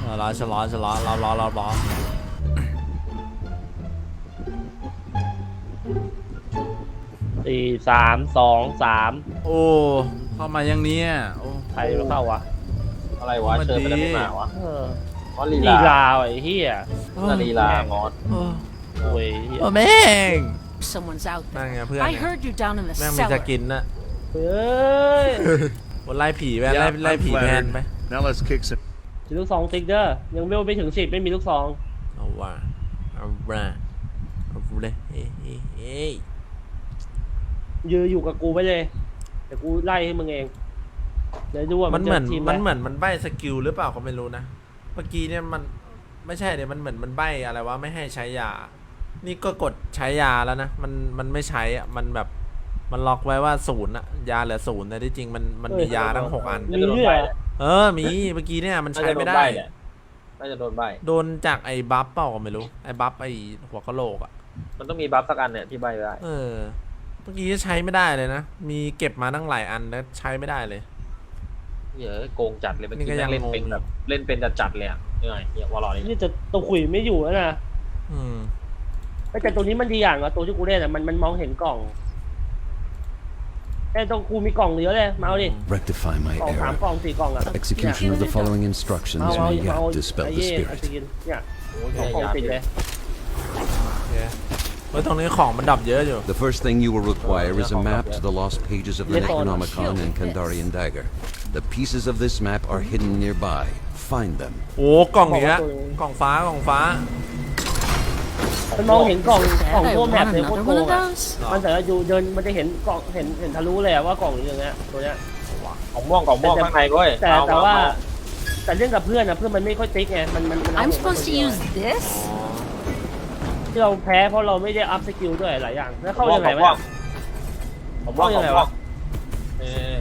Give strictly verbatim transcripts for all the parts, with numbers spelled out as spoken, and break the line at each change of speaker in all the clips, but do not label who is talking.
รอชะลอชะลอรอรอรอรอ
สี่สามสองสาม
โอ้เข้ามายังเนี้ยโอ้
ใครมาเข้าวะ
อะไรวะเชิญไปได้ไม่มาวะ
เออ
เพราะลี
ลี
ลา
ลาไอ้เหี้ย
น่าลีลางอน
โอ้
โอ้ยเหี้ย
โอ้แม่ง
Someone's out
นั่น
there.
ไงเพื่อน
I heard you down in the
แม่งมีจะ
cellar.
กินนะ
เฮ้ย
วันไล่ผีแวนไล่ไล่ผีแทนไป
Now let's kick some.
มีลูกซองติ๊กเดอร์ยังไม่ไปถึงสิบไม่มีลูกซอง
เอาว่าเอาว่าเอาเลยเฮ้ยเฮ้ยเฮ้ย
ยืนอยู่กับกูไปเลยเดี๋ยวกูไล่ให้มึงเองเดี๋ยวดูว่า
มั
มัน น
เหมือน
จะทีม
มันเห
ไหม
มือนมันใบสกิลหรือเปล่าก็ไม่รู้นะเมื่อกี้เนี่ยมันไม่ใช่เนี่ยมันเหมือนมันใบอะไรวะไม่ให้ใช้ยานี่ก็กดใช้ยาแล้วนะมันมันไม่ใช้อ่ะมันแบบมันล็อกไว้ว่าศูนย์อะยาเหลือศูนย์แต่ที่จริงมันมันมียาทั้งหกอัน
มีด้วยเหรอ
เออมีเมื่อกี้เนี่ยมัน
น่า
ใช้
จะโด
ไม่
น
ได้
ใบเนี่ยน่าจะโดนใบ
โดนจากไอ้บัฟเปล่าก็ไม่รู้ไอ้บัฟไอ้หัวกะโหลกอ่ะ
มันต้องมีบัฟสักอันเนี่ยที่ใบได้
เออเมื่อกี้ใช้ไม่ได้เลยนะมีเก็บมาตั้งหลายอันแล้วใช้ไม่ได้เลย
เหี้ยโกงจัดเลยเมื่อ
นี่
กี้
ก็ยัง
เล่นเป็น
งง
แบบเล่นเป็นจัดๆเลยอ่ะยังไงเหี้ยวอลล์นี่
นี่จะตัวขุยไม่อยู่แล้วนะ
อืม
แต่ตัวนี้มันดีอย่างว่าตัวที่กูเล่นอ่ะมันมันมองเห็นกล่องแต่ตรงกูมีกล่องเหลือเลยมาเอาดิ
Rectify my
กล่องสาม
error.
กล่องสี่กล่องอ่ะ
Execution of the following instructions
เอาเอา
may
เอา
yet dispel
ไอ้
the
เย่ไอ้
spirit.
สกินเนี่ย
โอ้ย
สองกล่องติดเลย
โอเคเฮ้ยตรงนี้ของมันดับเยอะอยู่
The first thing you will require is a map to the lost pages of the Necronomicon and Kandarian Dagger. The pieces of this map are hidden nearby. Find them.
โอ้กล่องเนี้ยกล่องฟ้ากล่องฟ้า
มันมองเห็นกล่องกล่อง
I
พวกแมป
want
เลยโคตร
another
โก
one
ง
of
อ่ะ
those.
มันแต่ละอยู่เดินมันจะเห็นกล่องเห็นเห็นทะลุเลยอะว่ากล่องอยู่อย่างเงี้ยตัวเนี้ย
ของม่วงของม่วงข้างในด้วย
แต่
เอ
แต่ว่า
เอ
แต่เล่นกับเพื่อนอะเพื่อนมันไม่ค่อยติ๊กไงมันมันมัน
I'm supposed to use this?
ที่เราแพ้เพราะเราไม่ได้อัพสกิลด้วยหลายอย่างแล้วเข้ายังไง
ของม่ว
วะ
งของม่วงของม่วงเออ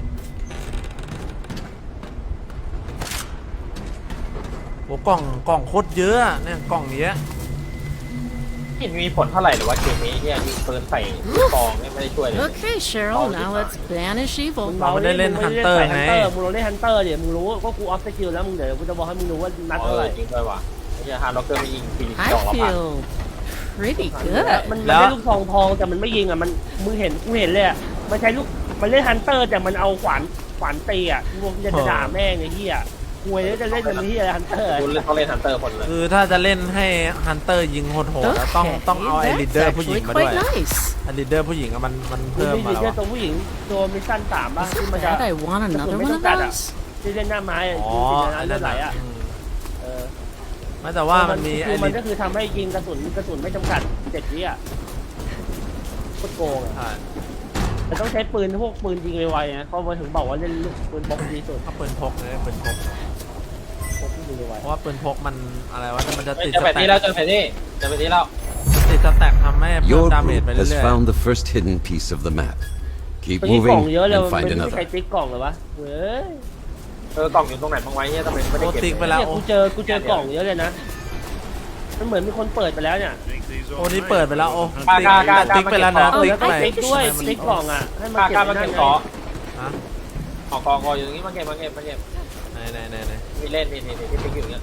โอ้กล่องกล่องโคตรเยอะอะเนี่ยกล่องเนี้ย
ไม่เห็นมีผลเท่าไหร่หรือว่าเกมนี้เนี่ยยิงปืนใส่กองเนี่ยไม่ได้ช่วยเลย
Okay, Cheryl, now let's banish
มึ
evil.
งเราเล่นมึงไม่ได้ใส่ฮันเตอร์มึงเราเล่นฮันเตอร์เดี๋ยวมึงรู้ก็กูอัพสกิลแล้วมึงเดี๋ยวกูจะบอกให้มึงรู้ว่านัด
เอ
เท่า
อ
ไหร่
จริงด้วยว่ะไอ้เหี้ยฮาร์ดล็อกเกอร์ไม่ยิงฟรีส
I
องละพัน
feel pretty
มัน
good.
มันได้ลูกทองทองแต่มันไม่ยิงอะมันมึงเห็นกูเห็นเลยอะมันใช้ลูกมันเล่นฮันเตอร์แต่มันเอาขวานขวานตีอะมึงจะด่าแม่งไอ้เหี้ยกูเลยจะเล่นมันที่อะไรฮันเตอร์
กูเล่นเขาเล่นฮันเตอร์คนเลย
คือถ้าจะเล่นให้ฮันเตอร์ยิงโหดๆแล้วต้อง
Okay,
ต้องเอาไอ้ลีด
that's
เดอร์ผู้หญิง
actually
มาด้วย
quite nice.
ไอ้ลีดเดอร์ผู้หญิงอะมันมัน
มึง
เพิ่ม
มี
มา
ดี
แล้ว
เจตัวผู้หญิงตัวมิชชั่นสามป่ะ
Is
ที่
it
มันจะ
bad I want another one of those?
ที่เล่นหน้าไม้อะ
อ๋อ
ยิง
ไอ้
ติดในนั้นเลื
นั่
อน ดไหล
น่ะ
อะ
อืม
เออ
ไม่แต่ว่ามันมี
คื
ไอ้
อมั
ลี
น
ด
ก็คือทำให้ยิงกระสุนกระสุนไม่จำกัดเจ็ดวิอ่ะโคตรโกงอ่ะ
ใช่
แต่ต้องใช้ปืนพวกปืนยิงไวๆนะเขามาถึงบอกว่าเล่นลูกปืนพกดีสุด
ถ้าปืนพกเลยปืนพก
พกที่ยิงไว
เพราะว่าปืนพกมันอะไรวะมันจะติด
เจอ
ส
แผน
แต็
ที่แล้ว
ก
เจอแผนที่เจอแผนที่แล้ว
ติดสแต็กทำให้เพิ่ม
Your
ดาเมจ
group
ไป
has
เรื่อย
found the first hidden piece of the map.
ๆ
Keep
ตอนนี้กล่อง
moving
เยอะเลย
and
มัน
find
ไม่มีใคร
another.
ติ๊กกล่องเหรอวะเว้ย
เออกล่องอยู่ตรงไหนบ้างไว้เนี่ยทำไมไม่
ๆ
ได้
โอ้
เก็บ
ติ๊กไปแล้ว
เนี่ย
โอ้
กูเจอกูเจอกล่องเยอะเลยนะมันเหมือนมีคนเปิดไปแล้วเนี่ย
Think these
โอ้
all
นี่
right?
เปิดไปแล้วโอ้
กล้า
ติ๊ก
กล้ากล้า
ติ๊กไปแล้วนะ
เออ
ติ๊ก
แล้วก็
ไป
ติ๊กด้วย
มัน
ติ๊กกล่องอ่ะให้มัน
กล้า
เก็
กล้า
บ
มา
ไว้
เก็บ
นั่น
เกาะ
ฮะ
ออกกองกออยู่ตรงนี้มาเก็บมาเก็บมาเก็บ
ไหนไหนไหนไหน
มีเล่นนี่นี่นี่ที่ติ๊กอยู่อย่างเงี้ย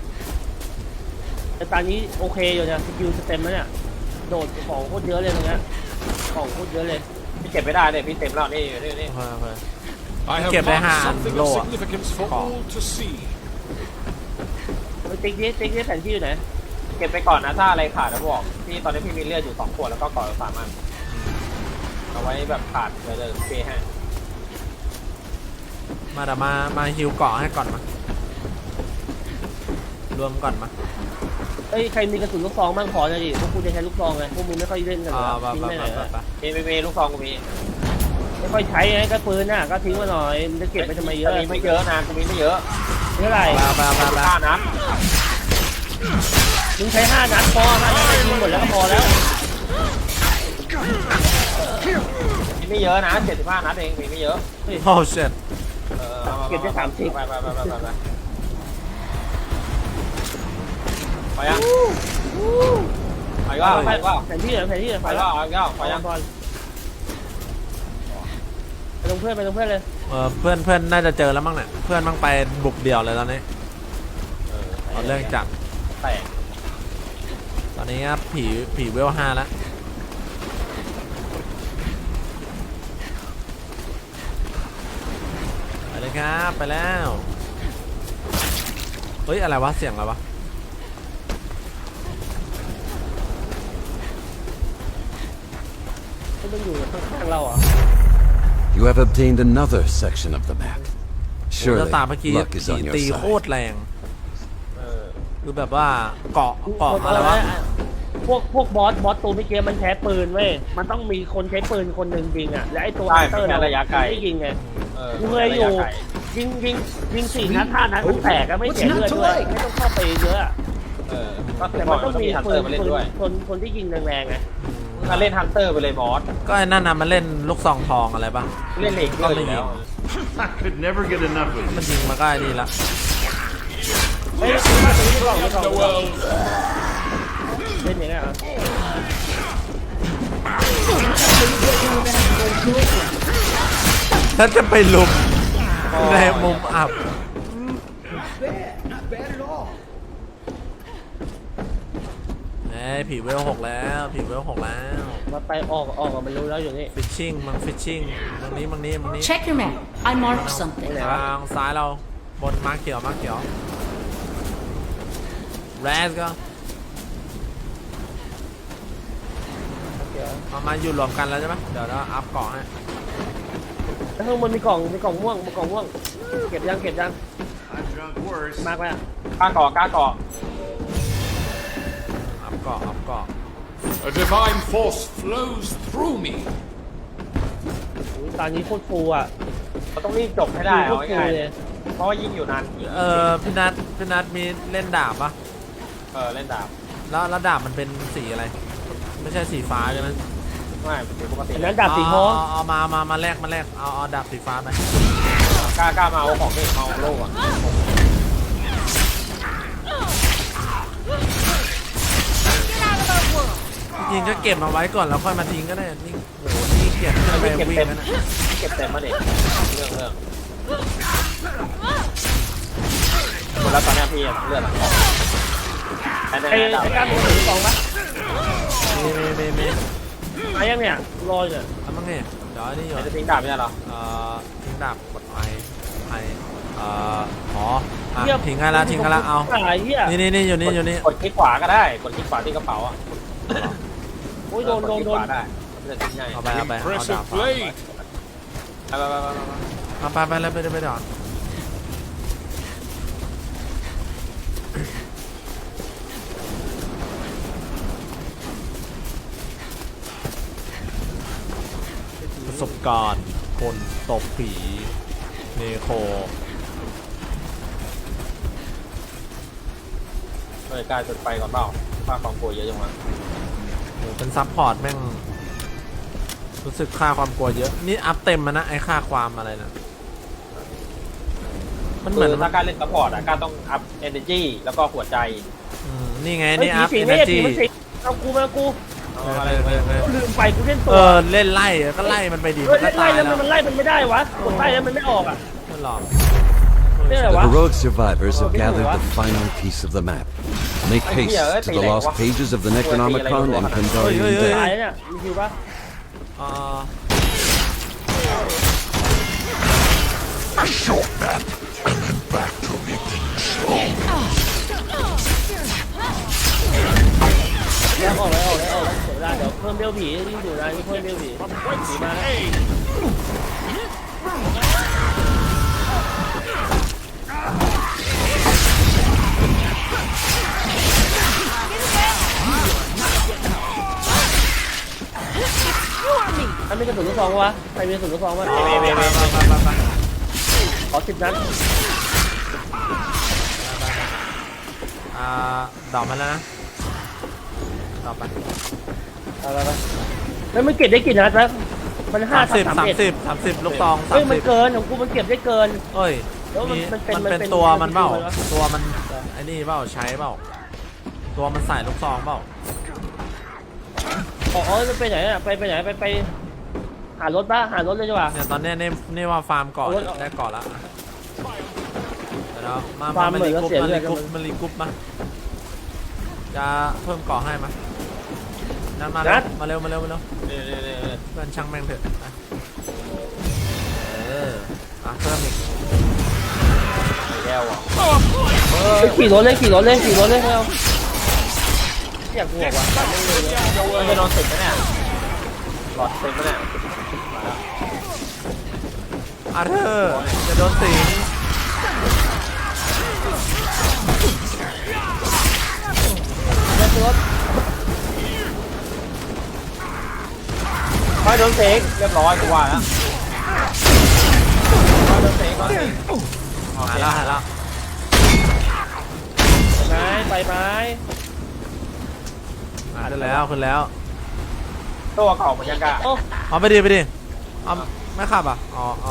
แต่ตอนนี้โอเคอยู่เนี่ยสกิลสเต็มแล้วเนี่ยโดดของโคตรเยอะเลยตรงเนี้ยของโคตรเยอะเลย
พี่เก็บไม่ได้เนี่ยพี่เต็มแล้วนี่นี่นี่
โอเคโอเค
I have
Get
marked
behind,
something of
Lord.
significance for
Oh.
all to see.
ไปติ๊กดิติ๊กดิแผนที่อยู่ไหน
เก็บไปก่อนนะถ้าอะไรขาดนะบอกพี่ตอนนี้พี่มีเลือดอยู่สองขวดแล้วก็ก่อสามอันเอาไว้แบบขาดเลยเลยเปให้
มาเดี๋ยวมามาฮิวเกาะให้ก่อนมารวมก่อนมา
เอ้ยใครมีกระสุนลูกซองบ้างขอหน่อยดิพวกกูจะใช้ลูกซองไงพวกมึงไม่ค่อยเล่นกัน
อ่า
เลย
ไป
ทิ้ง
ไป
ไปไห
ไป
น
ไป
อะ
ไป
มีมีมีลูกซองกูมี
ไม่ค่อยใช้ไงก็ปืนน่ะก็ทิ้งมาหน่อยมันจะเก็บไปทำไมเยอะ
มีไม่เยอะนะกูมีไม่เยอะ
เท่าไหร่
ไปไปไปไป
ห้านัด
มึงใช้ห้านัดพอห้านัดก็ยิงหมดแล้วก็พอแล้ว
มีไม่เยอะนะเจ็ดสิบห้านัดเองมีไม่เยอะ
โอ้เช็ด
เอออาา
เก็บได้สามสิบ
ไปไปไปไปไปไปไปยังไปก็ไปก็
แผนที่เหรอแผนที่เหรอ
ไป
ไป
ก็
แล้ว
ไปก็ไปยัง
ก่อนไปตรงเพื่อนไปตรงเพื่อนเลย
เออเพื่อนเพื่อนน่าจะเจอแล้วมั้งเนี่ยเพื่อนมั่งไปบุกเดี่ยวเลยตอนนี้
เออไป
เอาเรื่องจัด
แตก
ตอนนี้ครับผีผีเวลห้าแล้วไปเลยครับไปแล้วเฮ้ยอะไรวะเสียงอะไรวะ
ที่มันอยู่ข้างๆเราอ่ะ
You have obtained another section of the map.
โอ้
Surely,
แล้วตาเมื่อกี้
luck is
ผี
on your
ตีโค
side.
ตรแรง
เออ
คือแบบว่าเกาะเกาะอะไรวะ
พวกพวกบอสบอสตัวเมื่อกี้มันใช้ปืนเว้ยมันต้องมีคนใช้ปืนคนหนึ่งยิงอ่ะและไอ้ตัว
ใช่
ฮันเตอร์
เป็นระยะไกล
ไม่ยิงไง
เออ
กูเคยอยู่
ระะไกล
ยิงยิงยิงสี่นัดห้านัดมันแตกอะไม่เสียเลือดด้วยไม่ต้องเข้าไปเยอะอะ
เออก็ถึ
แต่
งบ
มั
อน ก
ต้อง
ต้อง
มี
มีฮัน
ปื
เตอน ร์มาเล่น
ปืน
ด้วย
คนคนที่ยิงแรงๆไง
ถ้าเล่นฮันเตอร์ไปเลยบอส
ก็ไอ้นั่นน่ะมันเล่นลูกซองทองอะไรปะ
เล่นเหล็กเลยอยู่แล้ว
I could never get enough of
มัน
you.
ยิงมาก็ไอ้นี่ละ
เฮ้ยซื้อมาซื้อที่กล่องที่กล่องที่กล่องเล่นอย่างเงี้ยเหรอ
ถ้าจะไปลุมในมุมอับเอ้ยผีเวลหกแล้วผีเวลหกแล้ว
มาไปออกออกอะมันรู้แล้วอยู่นี่
ฟิชชิ่งมังฟิชชิ่งตรงนี้มังนี้มังนี้
Check your map. I marked something.
ทางซ้ายเราบนมาร์คเขียวมาร์คเขียวแรสก็เอามาอยู่รวมกันแล้วใช่ไหมเดี๋ยวเราอัพเกาะให้
แล้วข้างบนมีกล่องมีกล่องม่วงมีกล่องม่วงเก็บยังเก็บยัง
I've drunk worse.
มากไปอ่ะ
กล้าเกาะกล้าเกาะ
อัพเกาะอัพเกาะ
A divine force flows through me.
อุ๊ยตอนนี้โคตรฟูอ่ะ
เราต้องรีบจบให้ได้
โค
เอา
ตรฟู
ง่าย
เลย
ๆเพราะว่ายิ่งอยู่นานยิ่ง
เออพี่นัทพี่นัทมีเล่นดาบปะ
เออเล่นดาบ
แล้วแล้วดาบมันเป็นสีอะไร ไม่ใช่สีฟ้าใช่ไหม
ไม่เป็นปกติ
อันนั้นดาบสีทอง
เอาเอามามามาแลกมาแลกเอาเอาดาบสีฟ้าไป
กล้ากล้ามาเอาของเด็กมาเอาโล่อะ
จริงๆก็เก็บมาไว้ก่อนแล้วค่อยมาทิ้งก็ได้นี่โหนี่เกียดขึ้นไป
เก็บ
วิ่ง
เต็ม
แล้วนะ
เก็บเต็มมาเด็กเรื่องเรื่องหมดแล้วตอนนี้พี่เลือดหลังออกแต่ใน
ไอ้
ดาบ
ไอ้การมีถือกล่องปะ
มีมีมีมี
มายังเนี่ยรออยู่
ทำมั้งเนี่ยเดี๋ยวอันนี่อยู่
จะทิ้งดาบไม่ได้หรอ
เอ่อทิ้งดาบกดไอไอเอ่ออ๋ออ่ะทิ้งให้ละทิ้งให้ละเอา
ไอ้เหี้ย
นี่นี่นี่อยู่นี่อยู่นี่
กดคลิกขวาก็ได้กดคลิกขวาที่กระเป๋าอ่ะ
โอ้ยโดนโดนโดน
กดคลิกขวาได้มันจะทิ้งง่าย
เอาไปเอาไปเอาดา
Impressive
บ
blade.
ไปไปไปไปไป
เอาไปไปเลยไปเลยไปเดี๋ยวประสบการณ์คนตบผีเนโค
เฮ้ยกลายจุดไฟก่อนเปล่าค่าความกลัวเยอะจังวะ
โหเป็นซับพอร์ตแม่งรู้สึกค่าความกลัวเยอะนี่อัพเต็มมานะไอ้ค่าความอะไรนะมันเห
คื
มือน
อถ้าการเล่นซัพพอร์ตอ่ะการต้องอัพเอเนจีแล้วก็หัวใจ
อืมนี่ไง
เฮ้ย
นี่
ผี
อัพ
สิ
เอง เน
ไม่ใช่
จี
ผีมันสิงเอากูมากู
เอาอะไรไปไป
กูลืมไปกูเล่นตั
เอ
ว
อเล่นไล่ก็ไล่มันไปดี
เฮ้
มั
ย
นก็
ไล่
ตาย
แล้ว
แล้ว
มันไล่มันไม่ได้วะกดไล่แล้วมันไม่ออกอ่ะ
มันหลอก
เนี่ย
The
วะ
heroic survivors have
Oh,
gathered
what?
the final piece of the map. Make
Ay,
haste
yeah,
to
eh,
the
pilay,
lost
wah.
pages of the Necronomicon and
Oy, oy,
Kandarian
oy.
ตาย
Dead.
เนี่ยมีคิวปะ
เอ่อ
แล้วออกแล้วออกแล้วออกแล้วเสียเวลาเดี๋ยวเพิ่มเบลผียิ่งอยู่นะยิ่งเพิ่มเบลผีผีมาแล้ว ถ้ามีกระสุนลูกซองวะใครมีกระสุนลูกซองวะ
ไปไปไปไปไป
ขอสิบนัด
อ่าดอกมาแล้วนะดอกไป
เอาไปไปแล้วมันเก็บได้กี่นัดแล้วมันห้า
สาม
ทับ
สิบ
สาม
สาม
เอ็ด
สิบสามสิบลูกตองสา
เฮ้ย
ม
มัน
สิบ
เกินของกูมันเก็บได้เกิน
เอ้ย
แล้วมัน
มี
มันเป็น
มัน
มัน
เป็น
เป็น
ตัวมันเปล่า
มันเป็น
ตัวมันไอ้นี่เปล่าใช้เปล่าตัวมันใส่ลูกซองเปล่า
อ๋ออ๋อมันไปไหนอ่ะไปไปไหนไปไปหารถปะหารถเลยดีกว่า
เนี่ยตอนเนี้ยนี่นี่ว่าฟาร์มเกาะ
เอารถเอา
ได้เกาะแล้วเดี๋ยวนะดี๋ยวมา
ฟา
มา
ร์ม
มา
เหมื
รี
อน
กรุ๊ป
เสีย
มา
เลือ
รี
ด
กรุ๊ปมารีกรุ๊ปมาจะเพิ่มเกาะให้มานั่นมา
นั
แล้ว
ด
มาเร็วมาเร็วมาเร็ว
นี่นี่นี่นี่
เพื่อนช่างแม่งเถอะนะเอออ่ะเพิ่มอีก
แก้วอ่ะ
ไปขี่รถเลยขี่รถเลยขี่รถเลยเอาอยากบวกว่ะ
มันจะโดนติดไหมเนี่ยหลอดติดไหมเนี่ยมาแล้ว
อาเธอร์จะโดนสิง
รถรถ
ไม่โดนเสกเรียบร้อยกูว่าแล้วไม่โดนเสกโดนเสกโอ
หา
เค
ยแล้วหายแล้ว
ไม้ไปไม้
หายได้แล้วขึ้นแล้ว
ตัวเก่าเหมือนยังกะ
โอ้
เอาไปดิไปดิเอาไม่ขับอ่ะอ๋ออ๋อ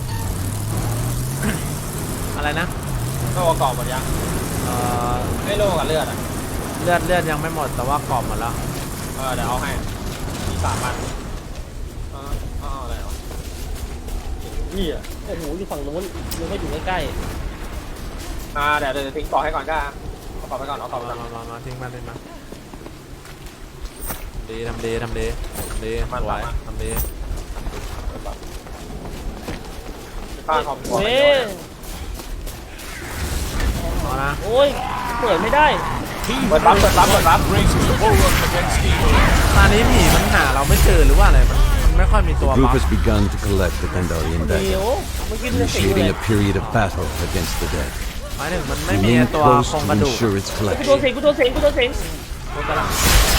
อะไรนะ
ตัวเก่าเหมือนยัง
เอ่อ
ไม่โลกับเลือดอ่ะ
เลือดเลือดยังไม่หมดแต่ว่ากรอบหมดแล้ว
เออเดี๋ยวเอาให้มีสามพันเออเอาอะไรวะนี่อ่ะ
โอ้โหอยู่ฝั่งนู้นยังไม่อยู่ใกล้
อ่าเดี๋ยวเดี๋ยวทิ้งต่อให้ก่อนก็เอาต่อไปก่อนเอาต่อ
เอา
ไป
มา
ก่อน
มามามาทิ้งมันทิ้งมันดีทำดีทำดีทำดีสวยทำดี
ค่าคอม
ๆ
ก่อน
เฮ้ย
เอานะ
โอ้ยเปิดไม่ได้
He
เปิดรับเปิดรับเปิดรับ
raises the bulwark against evil.
ตอนนี้ผีมันหาเราไม่เจอหรือว่าอะไรมันมันไม่ค่อยมีตัว
The group
บัฟ
has begun to collect the Kandarian
เดี๋ย
dagger,
วเมื่อกี้มันสิงเล
initiating
ย
a period of battle against the dead.
หมายถึงมันไม่มี
Remain
ตัว
close
โครง
to
กระดูก
ensure its
กูโดน
collection.
สิงกูโดนสิงกูโดนสิง
โครงกระดูก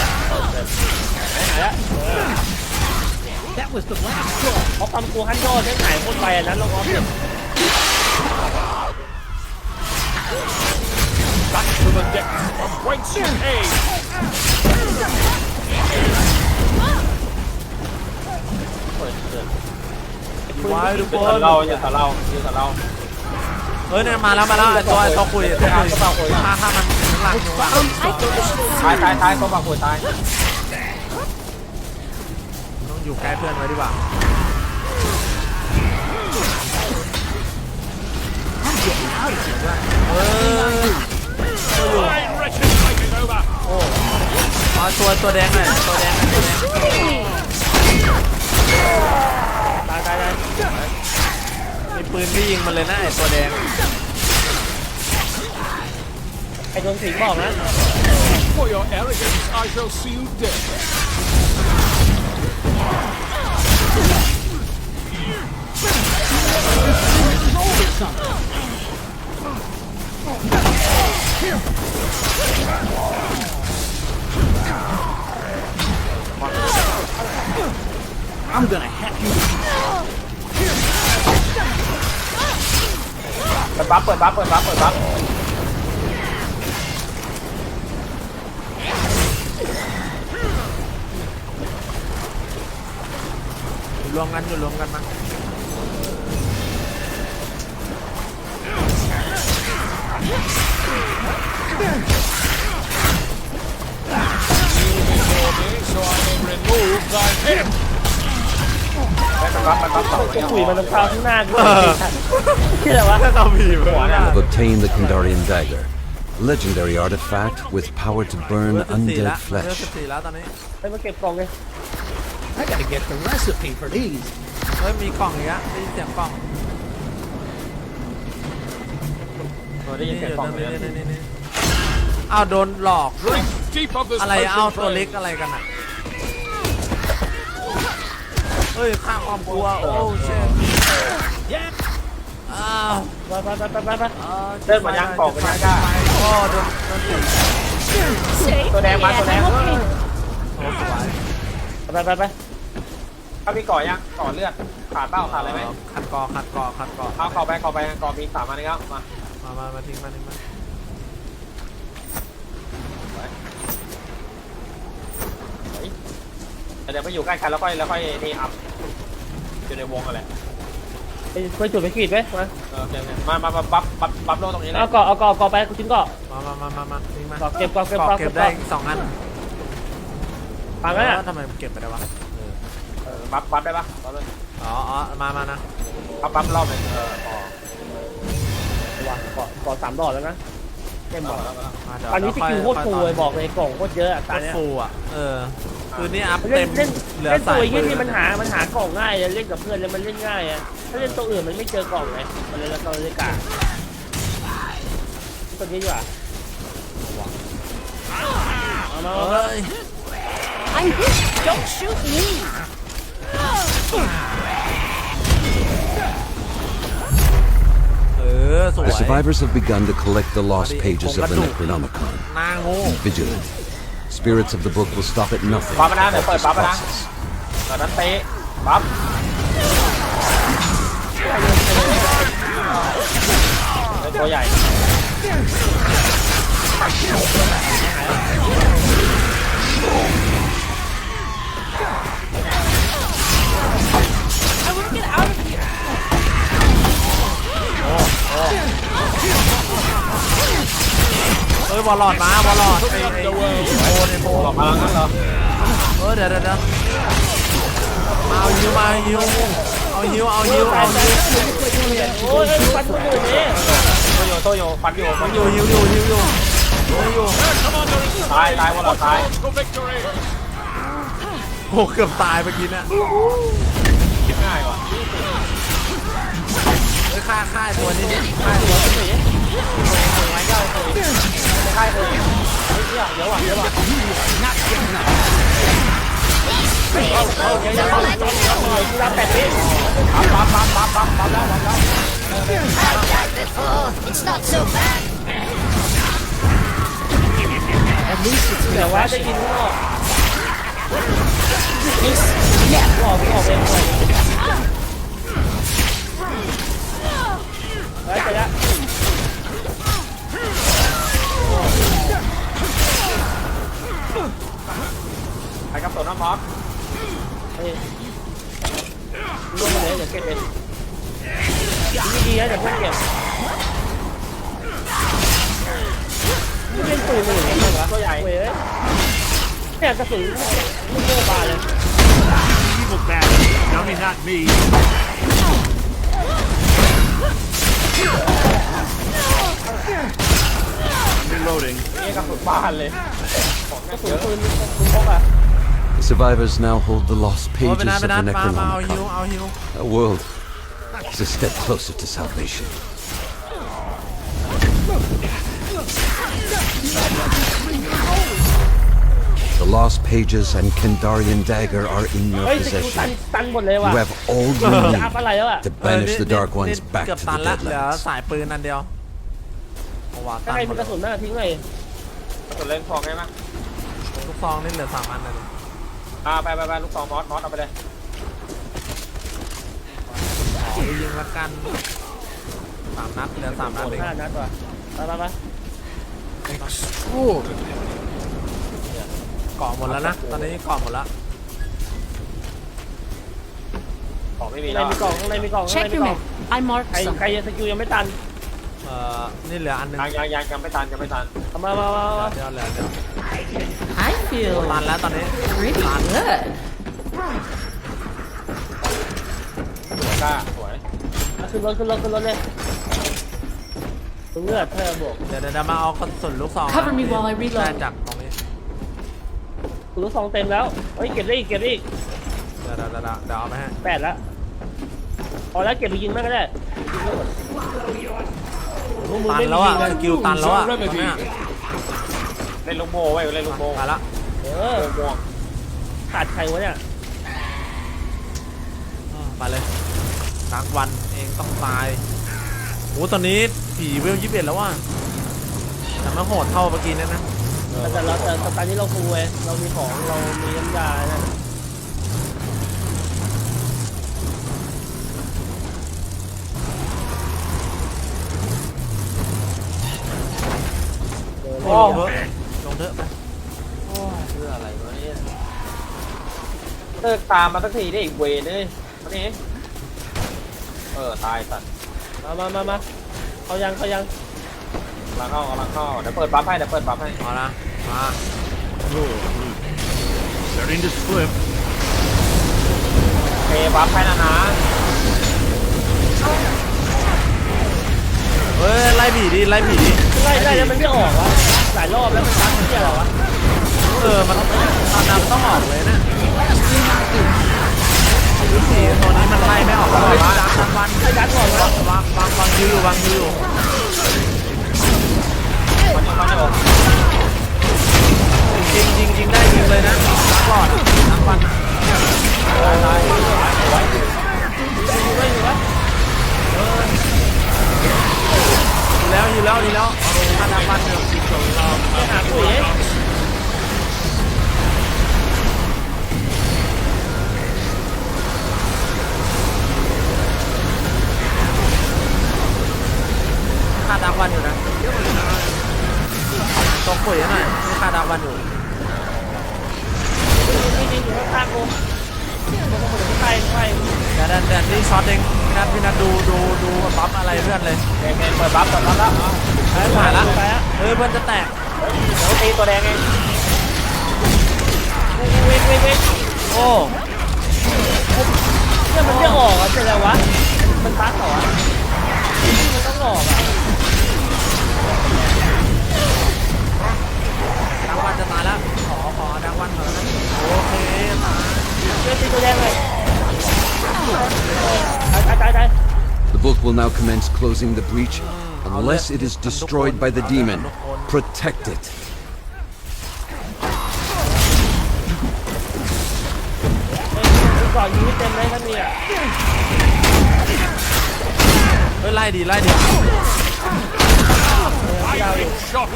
เขาทำตัวฮันโดได้หายคนไปอันนั้นลงออฟเนี่ย
Back to the depths from whence you came.
ไว้ทุก
ยื
คน
นเรายืนเรายืนเรา
เฮ้ยเนี่ยมาแล้วมาแล้วไอ้ตัวไอ้ตัวคุยไอ้ตัวคุยฆ่าฆ่ามันข้างหลังอยู่ว่ะ
ตายตายตายตัวบักหัวตาย
ต้องอยู่ใกล้เพื่อนไว้ดีกว่าเออ
Fine wretches taking over.
เอาตัวตัวแดงหน่อยตัวแดงหน่อยตัวแดง
ตายตายตาย
มีปืนที่ยิงมันเลยนะไอ้ตัวแดง
ไอ้โดนสิงบอกนะ
For your arrogance, I shall see you dead.
เปิดบัฟเปิดบัฟเปิดบัฟเปิดบัฟ
อยู่รวมกันอยู่รวมกันมา
So I may remove thy head.
เปิดบัฟเปิดบัฟต่อไป
คุยมันต้องเข้าข้างหน้ากูที่อะไรวะ
ถ้าเราผีเหมือนกัน
Have obtained the Kandarian dagger, legendary artifact with power to
เบอ
burn
ร์สิบสี่
undead
ละเบอร์
flesh.
สิบสี่แล้วตอนนี้
ไปมาเก็บกล่องเลย
I gotta get the recipe for these.
เฮ้ยมีกล่องอีกแล้วได้ยินเสียงกล่อง
ได้ยิน
นี่
เสียง
อยู่
กล่อง
ตรง
เลย
นี้นี่นี่นี่อ้าวโดนหลอก
Drink deep of this
อะไร
potion
เอาตัว
flame.
เล็กอะไรกันอ่ะเฮ้ยข้างความกลัวโอ้เชฟอ้าว
ไปไปไปไปไป
อ้าว
เดินมายังกล่องมายังกล้า
โอ้โดนโดนตี
ตัวแดงมาตัวแดง
โอ้สวย
ไปไปไป
ถ้าพี่ก่อยังก่อเลือดขาดเป้าขาดอะไรไหม
ขัดกอขัดกอขัดกอ
เอาเข้าไปเข้าไปก่อมีสามอันนี้ครับมา
มามามาทิ้งมาทิ้งมา
เดี๋ยวไปอยู่ใกล้กันแล้วค่อยแล้วค่อยนี่อัพอยู่ในวงอะไร
ไปจุดไปขีดไหมมา
เออโอเคโอเคมามามาบัฟบัฟบัฟโลตรงนี้เลย
เอาก่อเอาก่อก่อไปกูชิ้นก่อ
มามามามามาทิ้งมา
ก่อเก็บก่อเก็บ
ก
ก่อ
เก็
เก็
บบ ได้
ก่อ
อีกสองอัน
ฟังนะ
แล้วทำไมมันเก็บไปได้วะ
เออบัฟบัฟได้ปะบัฟเลย
อ๋ออ๋อมามานะ
บัฟบัฟรอบหนึ่งเออพอ
วางก่อก่อสามดอกแล้วนะเต็มหมด
ะเดี๋ยว
ตอนนี้ส
เดี๋ยว
กิลโคตร
ค่
ฟู
อ
เลยบอกเลยกล่องโคตรเยอะอะ
โค
ตา
ตร
เนี้ย
ฟูอ่ะเออคือนี่อัพ
เล่
เต็
น
ม
เล่น
เหลือ
เล่น
ใส่
ตัวยี่
ปื
นี่
น
มันหามันหากล่องง่ายเล่นกับเพื่อนแล้วมันเล่นง่ายอะถ้าเล่นตัวอื่นมันไม่เจอกล่องไงมันเลยแล้วก็เลยกาตัวนี้ดีกว่าเอามา
เอ
เอามา
้ย
I'm hit. Don't shoot me.
เออสวย
The survivors have begun to collect the lost
Buddy,
pages of the
kung
Necronomicon.
หน้าโง่
Be vigilant. Spirits of the book will stop at nothing
ปั๊บ
to
นะเดี๋ยว
halt
เปิด
this
ปั๊บนะ
process.
เปิดนั้นเตะปั๊บเป็นตัวใหญ่
เอ้ยบอลลอดมาบอลลอดไอ้ไอ้โอ้เนี่ยโบ
หลอกพลังนั้นเหรอ
เออเดี๋ยวเดี๋ยวเดี๋ยวมาเอาฮิวมาเอาฮิวเอาฮิวเอาฮิวเอาฮิว
โอ้ยฟันคนอื่นนี่
โตโยโตโยฟันอยู่ฟันอ
อยู่ ยู่ฮิวอยู่ฮิวอยู่ฮิวอยู่
ตายตายวันเราตาย
For victory!
โอ้เกือบตายเมื่อกี้เนี่ย
คิดง่ายว่ะ
เฮ้ยฆ่าฆ่าไอ้ตัวนี้ดิฆ่าไอ้ตัวนี้
ไม้ย่อยตัวไม่ใช่เลยเฮ้ยเดี๋ยวว่ะเดี๋ยวว่ะ
เดี๋ยวเดี๋ยวเดี๋ยวกูรับแปดวิ
ปั๊บปั๊บปั๊บปั๊บปั๊บปั๊บแล้วปั๊บแล้ว
It's not so bad.
เดี๋ยวว่าจะกินข้างนอก
Yeah.
ออกออกเองเลยแล้วจะละ
ไปกับตัวน้ำมอส
เฮ้ยลงมาเลยเดี๋ยวเก็บเองดีดีนะเดี๋ยวเพื่อนเก็บนี่เล่นปืนมันอย่างนี้เหรอ
ตัวใหญ่
เว้ยเนี่ยกระสุนลูกโม่บาเลย
Evil bastard. Dummy, not me. Reloading.
นี่กับสุดบ้านเลยของ
กระสุ
เย
น
อะ
ปืนปืนพกอ่ะ
The survivors now hold the lost
โอ้ย
pages
ไปนัด
of
ไปนัด
the
มามาเอาฮิว
Necronomicon.
เอาฮิว
A world is a step closer to salvation. The lost pages and Kandarian dagger are in your
เฮ้ยสกิลตัน
possession.
ตันหมดเลยว่ะ
You have all you
จะอัพ
need
อะไรแล้วอ่ะ
to
เออ
banish
นี่
the Dark
นี่
Ones
นี่
back
เกือบ
to
ตั
the
นละเหลือ
Deadlands.
สายปืนอันเดียวเอาว่ะ
ถ้า
ตัน
ใคร
หม
มี
ด
กระสุนน่าทิ้งเลย
กระสุนเล่นทองได้ไหม
ลูกซองนี่เหลือสามอันเลย
อ่าไปไปไปลูกซองมอสมอสเอาไปเลย
ขอไปยิงละกันสามนัดเหลือสามนัด
หมด
เอง
ห้านัดว่ะไปไปไป
เกาะหมดแล้วนะตอนนี้เกาะหมดแล้ว
ของไม่มี
ข้างใน
แล้ว
มีกล่องข้างในมีกล่องข้าง
Check
ในมี
your
กล่อง
map. I marked
ใครใคร
something.
ยังสกิลยังไม่ตัน
เอ่อนี่เหลืออันหนึง
ยังยังยังยังไม่ทันยังไม่ทัน
เอามามามามา
เดี๋ยวเหลือเดี๋ยว
I
ตั
feel
นแล้วตอนนี้
pretty good.
สวยกล้าสวย
เอาขึ้นรถขึ้นรถขึ้นรถเลยตัวเลือดเธอบวก
เดี๋ยวเดี๋ยวเดี๋ยวมาเอากระสุนลูกซองนะ
Cover me while I reload
ได้จากตรงนี้
คุณลูกซองเต็มแล้วเฮ้ยเก็บได้อีกเก็บได้อีก
เดี๋ยวเดี๋ยวเดี๋ยวเดี๋ยวเอาไปให้
แปดแล้วพอแล้วเก็บไปยิงแม่งก็ได้ยิงไม่หมดพวกมึง
ตัน
ไม่
แล้ว
มี
อ่ะ
ยิง
สกิลตันแล้วอ่ะตอนเนี้ย
เล่นลูกโม่ไว้เล่นลูกโม่
มาละ
เออ
โม่ม่วง
ขาดใครวะเนี่ย
อืมไปเลยรักวันเองต้องตายโอ้ตอนนี้ผีเวลยี่สิบเอ็ดแล้วว่ะแต่ไม่โหดเท่าเมื่อกี้เนี่ยนะ
แต่แต่เราแต่แต่ตอนนี้เราฟูเว้ยเรามีของเรามีน้ำยานะเออ
โอ้
เล่น
เถอะลงเถอะไป
โอ้ยเพื่ออะไรวะเนี่ยเลิกตามมาสักทีได้อีกเวรเลยมานี่เออตายสัตว์
มามามามาเขายังเขายัง
กำลังเข้ากำลังเข้าเดี๋ยวเปิดปั๊บให้เดี๋ยวเปิดปั๊บให้
เอาละมา
Starting to slip.
เพย์ปั๊บให้นะนะ
เฮ้ยไล่ผีดิไล่ผีดิ
ไล่ได้แล้วมันไม่ออกวะหลายรอบแล้วมันตัดที่อะไรวะ
เออมันตอนนั้นต้องออกเลยนะดูสิตัวนี้มันไล่ไม่ออกเลยวะดังวัน
ไอ้ดันก่อนวะ
วางวางวางคิวอยู่วางคิวอยู่
มันยังมันจะออก
ยิงยิงยิงได้ยิงเลยนะดังหลอดดังวัน
ตายไว้
อยู่ไว้อยู่วะ
อยู่แล้วอยู่แล้วอยู่แล้วถ้าดังวันเดี๋ยวสิบสองรอบ
ไปหาปุ๋ย
ค่าดังวันอยู่นะตกปุ๋ยหน่อยมีค่าดังวันอยู่
นี่นี่อยู่ข้างๆกูมันก็เหมือนที่ใต้ใต้
เดี๋ยวเดี๋ยวเดี๋ยวนี่ช็อตเองพี่นัทพี่นัทดูดูดูปั๊บอะไรเพื่อนเลย
แดงแดงเปิดบัฟก่อนแล้วแล้ว
เฮ้ยผ่านละ
ไปอะ
เฮ้ยเพื่อนจะแตก
เดี๋ยวตีตัวแดงเอง
เว้ยเว้ยเว้ย
โอ้
เนี่ยมันไม่ออกอ่ะเป็นไรวะมันตัดเหรอวะมันต้องออกอ่ะ
ดังวันจะตายแล้วขอขอดังวันก่อนนะโอเคตาย
เว้ยตีตัวแดงเลยตายตายตายตาย
The book will now commence closing the breach unless it is destroyed by the demon. Protect it.
ก่อนยิงเต็มเลยถ้ามีอ่ะ
เฮ้ยไล่ดีไล่ดี
ยาวอยู่
Shot.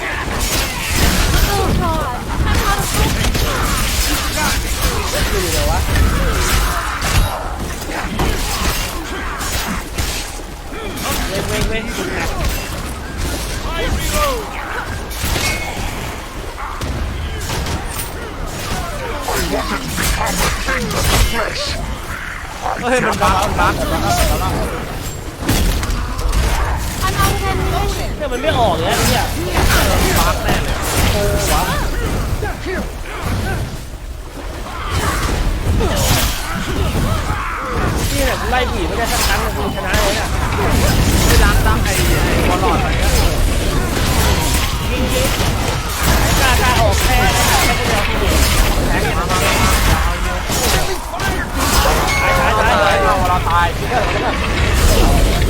อยู่เลยวะเว้ยเว้ยเว้ยสุดแรง
I reload.
เฮ้ยมันบักมันบัก
เนี่ยมันไม่ออกเลยเนี่ย
บักแน่เลย
โอ้วะนี่เนี่ยไล่ผีไม่ได้สักครั้งเลยกูชนะเลยอ่ะ
ไม่ล้างตั้งไอ้ไอ้บอลลอดอะไรเงี้ย
ยิงยิงกล้ากล้าออกแค่ได้แค่ตัวเดียวทีเดียวแทง
มามามามาเอาอยู่
ตายตายตาย
ตาย
ตาย
เราเราตายพี่เถอะพี่เถอะ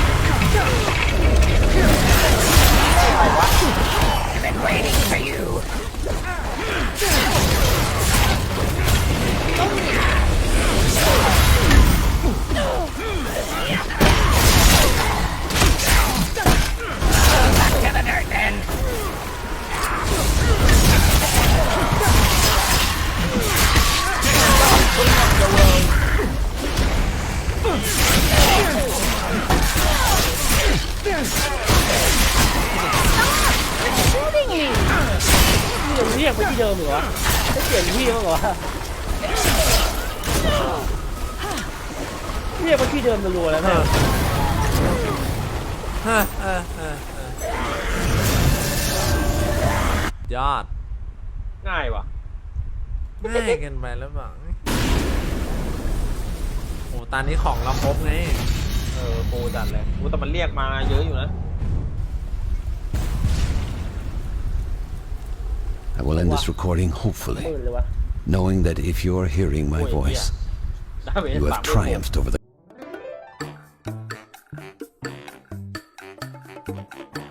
นี่ยังเรียกไปที่เดิมเหรอวะไม่เปลี่ยนที่มั้งเหรอเรียกไปที่เดิมรัวๆแล้วเนี่ย
เฮ้ยเฮ้ยเฮ้ยเฮ้ยยอด
ง่ายว่ะ
ง่ายเกันไปแล้วบ้างโอ้ตอนนี้ของเราครบไง
เออโปรจัดเลยกูแต่มันเรียกมาเยอะอยู่นะ
I will end this recording hopefully,
หมื่นเลยวะ
knowing that if you are hearing my
Wait,
voice,
ได้เว
you
สา
have
ม
triumphed over the